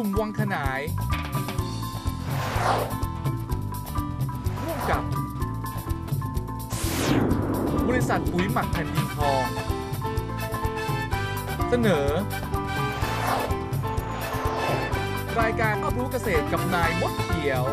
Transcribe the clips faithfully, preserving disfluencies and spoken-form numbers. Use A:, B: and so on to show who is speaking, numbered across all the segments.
A: สุ่มวังขนายร่วมกับบริษัทปุ๋ยหมักแผ่นดินทองเสนอรายการรอบรู้เกษตรกับนายมดเขียว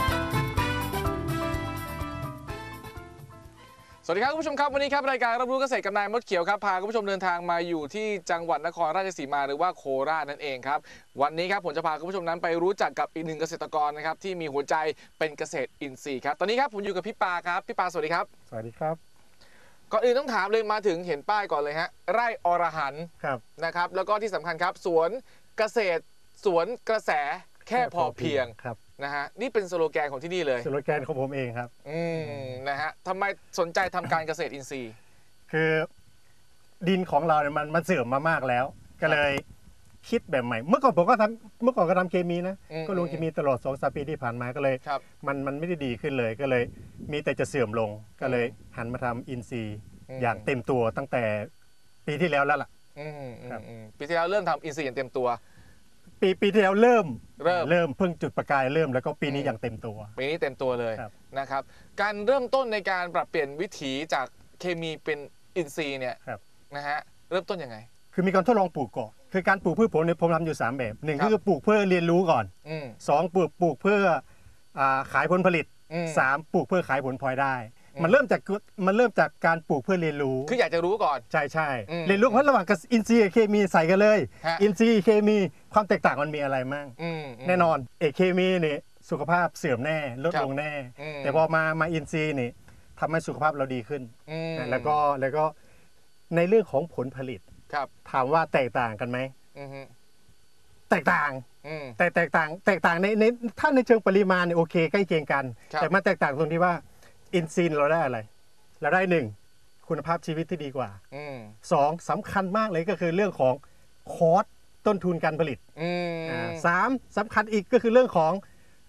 A: สวัสดีครับคุณผู้ชมครับวันนี้ครับรายการรับรู้เกษตรกับนายมดเขียวครับพาคุณผู้ชมเดินทางมาอยู่ที่จังหวัดนครราชสีมาหรือว่าโคราชนั่นเองครับวันนี้ครับผมจะพาคุณผู้ชมนั้นไปรู้จักกับอีกหนึ่งเกษตรกรนะครับที่มีหัวใจเป็นเกษตรอินทรีย์ครับตอนนี้ครับผมอยู่กับพี่ปาครับพี่ปาสวัสดีครับ
B: สวัสดีครับ
A: ก่อนอื่นต้องถามเลยมาถึงเห็นป้ายก่อนเลยฮะไร่อรหันต์นะครับแล้วก็ที่สำคัญครับสวนเกษตรสวนกระแสแค่พอเพียง
B: ครับ
A: นะฮะนี่เป็นสโลแกนของที่นี่เลย
B: สโลแกนของผมเองครับ
A: อืมนะฮะทำไมสนใจทำการเกษตรอินทรีย์
B: คือดินของเราเนี่ยมันมันเสื่อมมามากแล้วก็เลยคิดแบบใหม่เมื่อก่อนผมก็ทำเมื่อก่อนก็ทำเคมีนะก็ลงเคมีตลอดสองสามปีที่ผ่านมาก็เลยมันมันไม่ได้ดีขึ้นเลยก็เลยมีแต่จะเสื่อมลงก็เลยหันมาทำอินทรีย์อย่างเต็มตัวตั้งแต่ปีที่แล้วแล้วล่ะ
A: ปีที่แล้วเริ่มทำอินทรีย์อย่างเต็มตัว
B: ปีปีที่แล้วเริ่ม
A: เริ่ม
B: เริ่มเพิ่งจุดประกายเริ่มแล้วก็ปีนี้อย่างเต็มตัว
A: ปีนี้เต็มตัวเลยนะครับการเริ่มต้นในการปรับเปลี่ยนวิถีจากเคมีเป็นอินทรีย์เนี่ยนะฮะเริ่มต้นยังไง
B: คือมีการทดลองปลูกก่อนคือการปลูกพืชผลเนี่ยผมทำอยู่สามแบบหนึ่งคือปลูกเพื่อเรียนรู้ก่อนสองปลูกปลูกเพื่อขายผลผลิตสามปลูกเพื่อขายผลพลอยได้มันเริ่มจากมันเริ่มจากการปลูกเพื่อเรียนรู้
A: คืออยากจะรู้ก่อน
B: ใช่ใช่เรียนรู้เพราะระหว่างกับอินทรีย์กับเคมีใส่กันเลยอินทรีย์เคมีความแตกต่างมันมีอะไรมั่งแน่นอนเอกเคมีนี่สุขภาพเสื่อมแน่ลดลงแน่แต่พอมามาอินทรีย์นี่ทำให้สุขภาพเราดีขึ้นแล้วก็แล้วก็ในเรื่องของผลผลิตถามว่าแตกต่างกันไหมแตกต่างแต่แตกต่างแตกต่างในในถ้าในเชิงปริมาณเนี่ยโอเคใกล้เคียงกันแต่มันแตกต่างตรงที่ว่าอินทรีย์เราได้อะไรเราได้หนึ่งคุณภาพชีวิตที่ดีกว่าสองสำคัญมากเลยก็คือเรื่องของคอสต้นทุนการผลิตสามสำคัญอีกก็คือเรื่องของ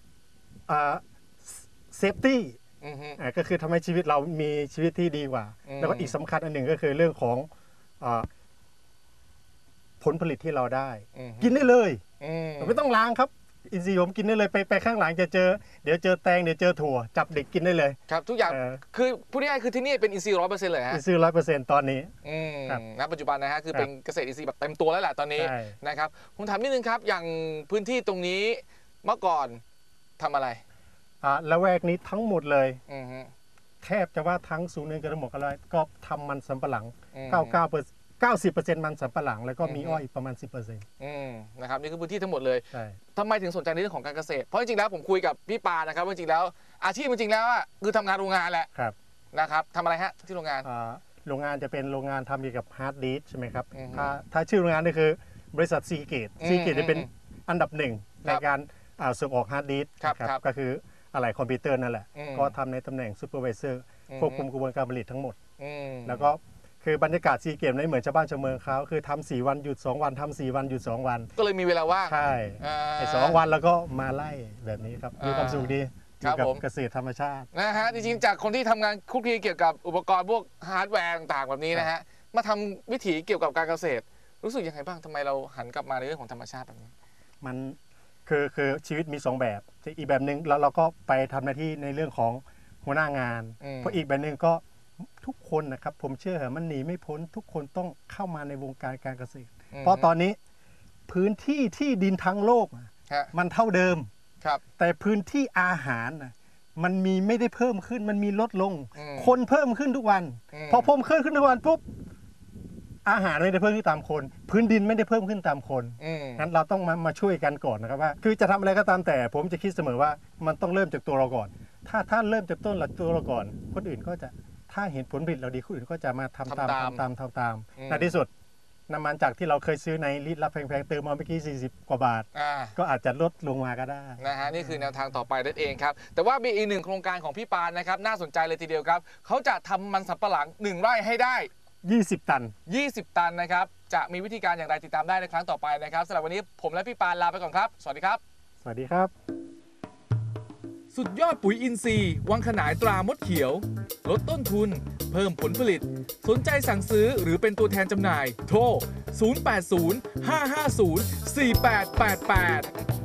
B: เซฟตี้ก็คือทำให้ชีวิตเรามีชีวิตที่ดีกว่าแล้วก็อีกสำคัญอันหนึ่งก็คือเรื่องของผลผลิตที่เราได้กินได้เลยไม่ต้องล้างครับอินทรีย์ผมกินได้เลยไปไปข้างหลังจะเจอเดี๋ยวเจอแตงเดี๋ยวเจอถั่วจับเด็กกินได้เลย
A: ครับทุกอย่างคือพูดง่ายๆคือที่นี่เป็นอินทรีย์ร้อยเปอร์เซ็นต์เลยฮะ
B: อินทรีย์ร้อยเปอร์เซ็นต์ตอนนี้
A: ณปัจจุบันนะฮะคือเป็นเกษตรอินทรีย์แบบเต็มตัวแล้วแหละตอนนี้นะครับผมถามนิดนึงครับอย่างพื้นที่ตรงนี้เมื่อก่อนทำอะไร
B: อ่าละแวกนี้ทั้งหมดเลยแทบจะว่าทั้งศูนย์เนินกระหมกอะไรก็ทำมันสำปะหลังเก้าเก้าเปอร์เก้าสิบเปอร์เซ็นต์มันสำปะหลังแล้วก็มีอ้อยประมาณสิบเปอร์เซ็นต์
A: นะครับนี่คือพื้นที่ทั้งหมดเลยทำไมถึงสนใจในเรื่องของการเกษตรเพราะจริงๆแล้วผมคุยกับพี่ปานะครับจริงๆแล้วอาชีพจริงๆแล้วคือทำงานโรงงานแหละนะครับทำอะไรฮะที่โรงงาน
B: โรงงานจะเป็นโรงงานทำเกี่ยวกับฮาร์ดดิสใช่ไหมครับถ้าถ้าชื่อโรงงานนี่คือบริษัทซีเกตซีเกตจะเป็นอันดับหนึ่งในการส่งออกฮาร์ดดิสครับก็คืออะไรคอมพิวเตอร์นั่นแหละก็ทำในตำแหน่งซูเปอร์วิเซอร์ควบคุมกระบวนการผลิตทั้งหมดแล้วก็คือบรรยากาศซีเกมไม่เหมือนชาวบ้านชาวเมืองเขาคือทำสี่วันหยุดสองวันทำสี่วันหยุดสองวัน
A: ก็เลยมีเวลาว่าง
B: ใช่ไอ้สองวันแล้วก็มาไล่แบบนี้ครับมีความสุขดีอยู่กับเกษตรธรรมชาติ
A: นะฮะจริงๆจากคนที่ทำงานคลุกคลีเกี่ยวกับอุปกรณ์พวกฮาร์ดแวร์ต่างๆแบบนี้นะฮะมาทำวิถีเกี่ยวกับการเกษตรรู้สึกยังไงบ้างทำไมเราหันกลับมาในเรื่องของธรรมชาติแบบนี้
B: มันคือคือชีวิตมีสองแบบอีกแบบหนึ่งแล้วเราก็ไปทำหน้าที่ในเรื่องของหัวหน้างานเพราะอีกแบบหนึ่งก็ทุกคนนะครับผมเชื่อเหรอมันหนีไม่พ้นทุกคนต้องเข้ามาในวงการการเกษตรเพราะตอนนี้พื้นที่ที่ดินทั้งโลกมันเท่าเดิมแต่พื้นที่อาหารมันมีไม่ได้เพิ่มขึ้นมันมีลดลงคนเพิ่มขึ้นทุกวันพอเพิ่มขึ้นขึ้นทุกวันปุ๊บอาหารไม่ได้เพิ่มขึ้นตามคนพื้นดินไม่ได้เพิ่มขึ้นตามคนงั้นเราต้องมามาช่วยกันก่อนนะครับว่าคือจะทำอะไรก็ตามแต่ผมจะคิดเสมอว่ามันต้องเริ่มจากตัวเราก่อนถ้าถ้าเริ่มจากต้นหลักตัวเราก่อนคนอื่นก็จะถ้าเห็นผลผลิตเราดีคนอื่นก็จะมาทำตามทำตามทำตามในที่สุดน้ำมันจากที่เราเคยซื้อในลิตรละแพงๆเติมมาเมื่อกี้สี่สิบกว่าบาทก็อาจจะลดลงมาก็ได้
A: นะฮะนี่คือแนวทางต่อไปนั่นเองครับแต่ว่ามีอีกหนึ่งโครงการของพี่ปานนะครับน่าสนใจเลยทีเดียวครับเขาจะทำมันสำปะหลังหนึ่งไร่ให้ได้
B: ยี่สิบตัน
A: ยี่สิบตันนะครับจะมีวิธีการอย่างไรติดตามได้ในครั้งต่อไปนะครับสำหรับวันนี้ผมและพี่ปานลาไปก่อนครับสวัสดีครับ
B: สวัสดีครับ
C: สุดยอดปุ๋ยอินทรีย์วังขนายตรามดเขียว ลดต้นทุน เพิ่มผลผลิต สนใจสั่งซื้อหรือเป็นตัวแทนจำหน่าย โทร ศูนย์ แปด ศูนย์ ห้า ห้า ศูนย์ สี่ แปด แปด แปด